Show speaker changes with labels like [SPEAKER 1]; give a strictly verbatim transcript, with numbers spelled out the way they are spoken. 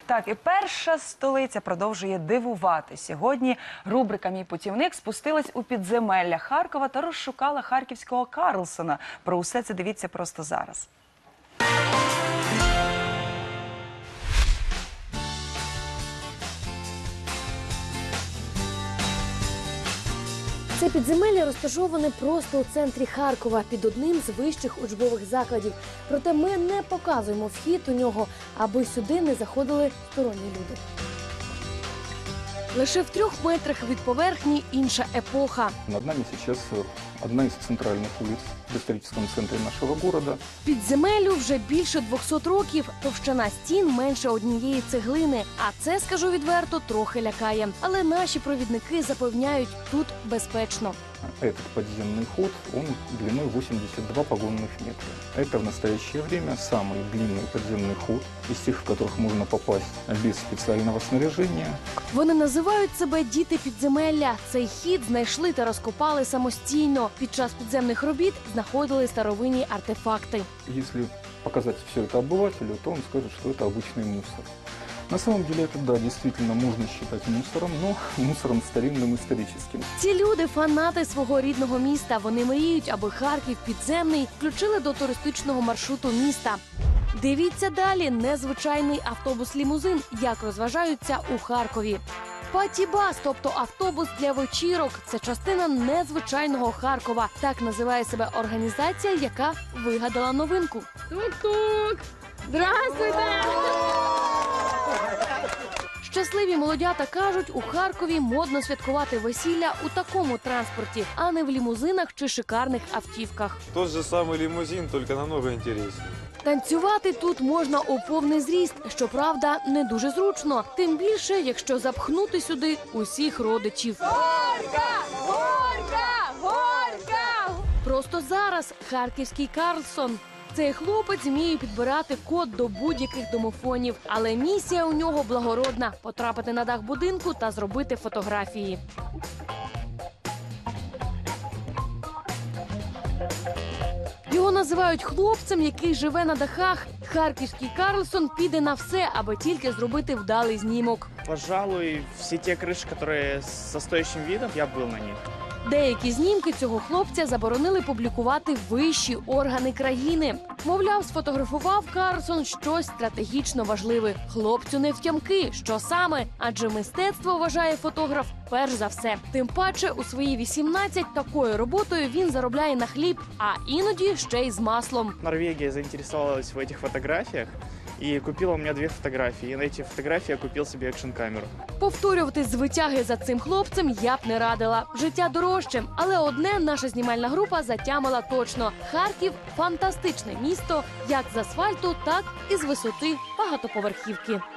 [SPEAKER 1] Так, і перша столиця продовжує дивувати. Сьогодні рубрика «Мій путівник» спустилась у підземелля Харкова та розшукала харківського Карлсона. Про усе це дивіться просто зараз.
[SPEAKER 2] Це підземелля розташоване просто у центрі Харкова, під одним з вищих учбових закладів. Проте ми не показуємо вхід у нього, аби сюди не заходили сторонні люди. Лише в трьох метрах від поверхні інша епоха.
[SPEAKER 3] Над нами сейчас одна из центральных улиц в историческом центре нашего города.
[SPEAKER 2] Підземеллю вже більше двохсот років, товщина стін менше однієї цеглини. А це, скажу відверто, трохи лякає. Але наші провідники запевняють, тут безпечно.
[SPEAKER 3] Этот подземный ход, он длиной восемьдесят два погонных метра. Это в настоящее время самый длинный подземный ход из тех, в которых можно попасть без специального снаряжения.
[SPEAKER 2] Вони називають себе «діти підземелля». Цей хід знайшли та розкопали самостійно. Під час підземних робіт знаходили старовинні артефакти.
[SPEAKER 3] Если показать все это обывателю, то он скажет, что это обычный мусор. На самом деле это, да, действительно можно считать мусором, но мусором старинным историческим.
[SPEAKER 2] Ці люди – фанати свого рідного міста. Вони мріють, аби Харків підземний включили до туристичного маршруту міста. Дивіться далі незвичайний автобус-лімузин, як розважаються у Харкові. Паті-бас, тобто автобус для вечірок – це частина незвичайного Харкова. Так називає себе організація, яка вигадала новинку.
[SPEAKER 4] Тук-тук! Здравствуйте!
[SPEAKER 2] Щасливі молодята кажуть, у Харкові модно святкувати весілля у такому транспорті, а не в лімузинах чи шикарних автівках.
[SPEAKER 5] Тот же самый лимузин, только намного интереснее.
[SPEAKER 2] Танцювати тут можна у повний зріст, щоправда, не дуже зручно. Тим більше, якщо запхнути сюди усіх родичів.
[SPEAKER 4] Горька! Горька! Горька!
[SPEAKER 2] Просто зараз харківський Карлсон. Цей хлопець вміє підбирати код до будь-яких домофонів. Але місія у нього благородна – потрапити на дах будинку та зробити фотографії. Його називають хлопцем, який живе на дахах. Харківський Карлсон піде на все, аби тільки зробити вдалий знімок.
[SPEAKER 6] Пожалуй, все те крыши, которые со стоящим видом, я был на них.
[SPEAKER 2] Деякі знімки цього хлопця заборонили публікувати вищі органи країни. Мовляв, сфотографував Карлсон щось стратегічно важливе. Хлопцю не втямки, що саме, адже мистецтво, вважає фотограф, перш за все. Тим паче, у свої вісімнадцять такою роботою він заробляє на хліб, а іноді ще й з маслом.
[SPEAKER 6] Норвегия заинтересовалась в этих фотографиях и купила у меня две фотографии. И на эти фотографии я купил себе экшн-камеру.
[SPEAKER 2] Повторювати з витяги за цим хлопцем я б не радила. Життя дорожче. Але одне наша знімальна група затямила точно. Харків – фантастичне місто як з асфальту, так і з висоти багатоповерхівки.